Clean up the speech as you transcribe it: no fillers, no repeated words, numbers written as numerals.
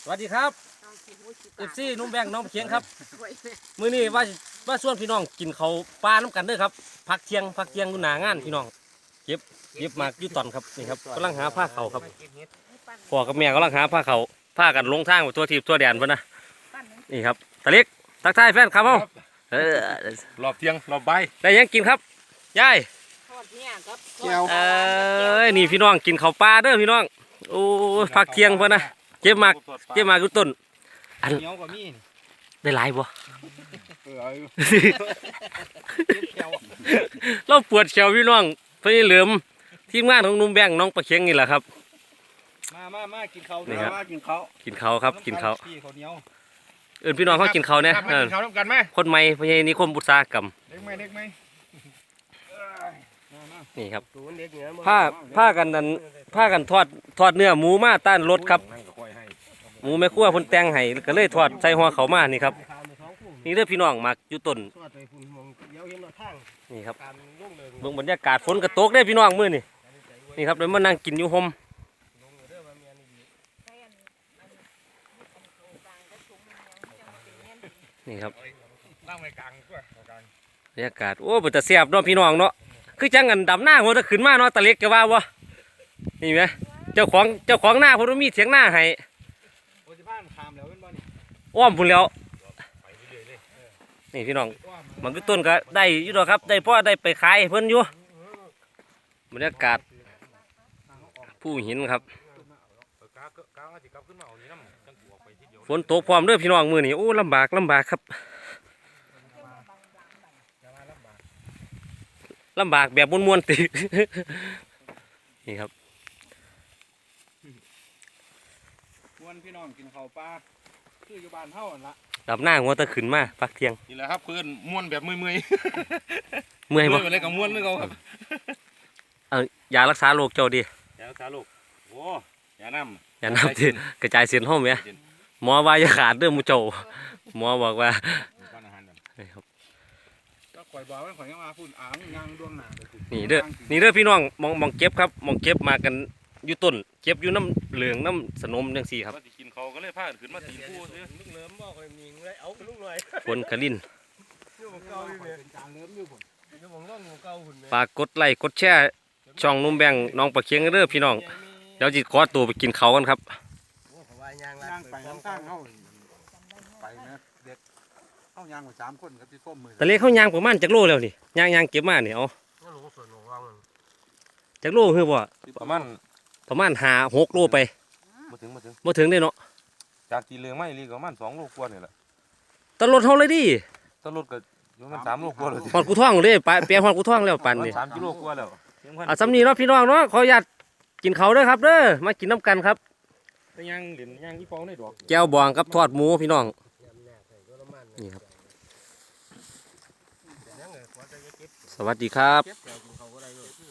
สวัสดีครับFC นุ่มแบงน้องเคียงครับมื้อนี้ว่าชวนพี่น้องกินข้าวปลาน้ำกันเด้อครับพักเที่ยงอยู่หน้างานพี่น้องเก็บหมากอยู่ตอนครับนี่ครับกำลังหาผ้าเขาครับพ่อกับแม่กำลังหาผ้าเขาผ้ากันลงทางตัวทีบตัวแดนเพิ่นนะนี่ครับตะเล็กทักทายแฟนครับเฮารอบเที่ยงรอบบ่ายได้ยังกินครับยายนี่พี่น้องกินข้าวปลาเด้อพี่น้องโอ้พักเที่ยงเพิ่นนะเก็บหมากอยู่ต้นอันเหนียวกว่ามีได้หลายบ่เอาอยู่เราปวดเขียวพี่น้องพี่เหลือมทีมงานของนุ่มแบงน้องประเคียงนี่แหละครับมากินข้าวนี่ครับกินข้าวกินเขาวครับกินเขาวพี่ข้าวเหนียวพี่น้องเขากินเขาวเนี่ยมากินข้าวร่วมกันไหมคนใหม่พญานิคมบุตสาหกรรมเด็กไหมนี่ครับผ้ากันทอดเนื้อหมูมาต้านรถครับหมูแม่ครัวเพ่นแตงไห้ก็เลยทอดใส่หัวเขามานี่ครับนี่เด้อพี่น้องมักอยู่ต้นนี่ครับเบิ่งบรรยากาศฝนกระตกได้อพี่น้องมื้อนี่นี่ครับเลยมานั่งกินอยู่ห่มนี่ครับตั้งไว้กลางก็กลางบรรยากาศโอ้บ่จะเสียบเนาะพี่น้องเนาะคือจังกันดำหน้าหัวจะขึ้นมาเนาะตะเล็กก็ว่าบ่นี่ไหมเจ้าของหน้าเพิ่นมีเถียงหน้าให้โอ้ยบ้านขามแล้วเป็นบ่นี่อ้อมพุ่นแล้วไปเรื่อยเลยนี่พี่น้องมันก็ต้นก็ได้อยู่ดอกครับได้พ่อได้ไปขายให้เพิ่นอยู่บรรยากาศผู้หินครับฝนตกพร้อมเด้อพี่น้องมื้อนี้โอ้ลำบากครับลำบากแบบม่วนๆติ นี่ครับวันพี่น้องกินข้าวปลาคืออยู่บ้านเฮาละดับหน้าหัวตะขึ้นมาพักเที่ยงนี่แหละครับเพื่อนม้วนแบบเมื่อยเมื่อยบ่อะไรกับม้วนนึกเอาครับยารักษาโรคเจ้าดียาสาลูกโอ้ยาน้ำอย่านำที่กระจายเสียงห้องไหมหมอว่าอย่าขาดเด้อมูเจ้าหมอบอกว่าก้อนอาหารแบบนี่ครับก็ข่อยบอกว่าข่อยยังมาพูดอ่างยางดวงหนานี่เด้อพี่น้องมองเก็บครับมองเก็บมากันอยู่ต้นเก็บอยู่น้ำเหลืองน้ำสนมจังซี่ครับว่าสิกินเขาก็เลยพาขึ้นมาตีผู้ซื้อลูกเลิมบอกข่อยมีเลยเอาลูกเลยฝนกระลิ่นอยู่ของเก่าอยู่เนี่ยเป็นจางเลิมอยู่ผมอยู่ของร่องของเก่าหุ่นฝากกดไลค์กดแชร์ช่องนุ่มแบงน้องประเคียงเด้อพี่น้องเดี๋ยวจิขอตัวไปกินเขาวกันครับย่างไปข้างๆเขาไปนะเด็กเขาย่างไป3 คนกับที่ส้มมือแต่เล็กเขายางประมาณจักโลแล้วนี่ยางเก็บมาเนี่ยเอาจักโลคือบ่ประมาณ 5-6 โลไปมาถึงบ่ถึงได้เนาะจากตีเรือไม่รีก็ประมาณ2 โลกว่านี่แหละตลอดเฮาเลยดิถ้ารถก็อยู่มัน3 โลกว่าเลยฮอดกูท่องเลยไปเปียฮอดกูท่องแล้วปันนี่ 3 กิโลกว่าแล้วเอาสำนีเนาะพี่น้องเนาะขออนุญาตกินเขาวเด้อครับเด้อมากินน้ำกันครับแต่ยังเหรียญยังที่ฟองได้ดอกแก้วบองกับทอดหมูพี่น้องนี่ครับสวัสดีครับ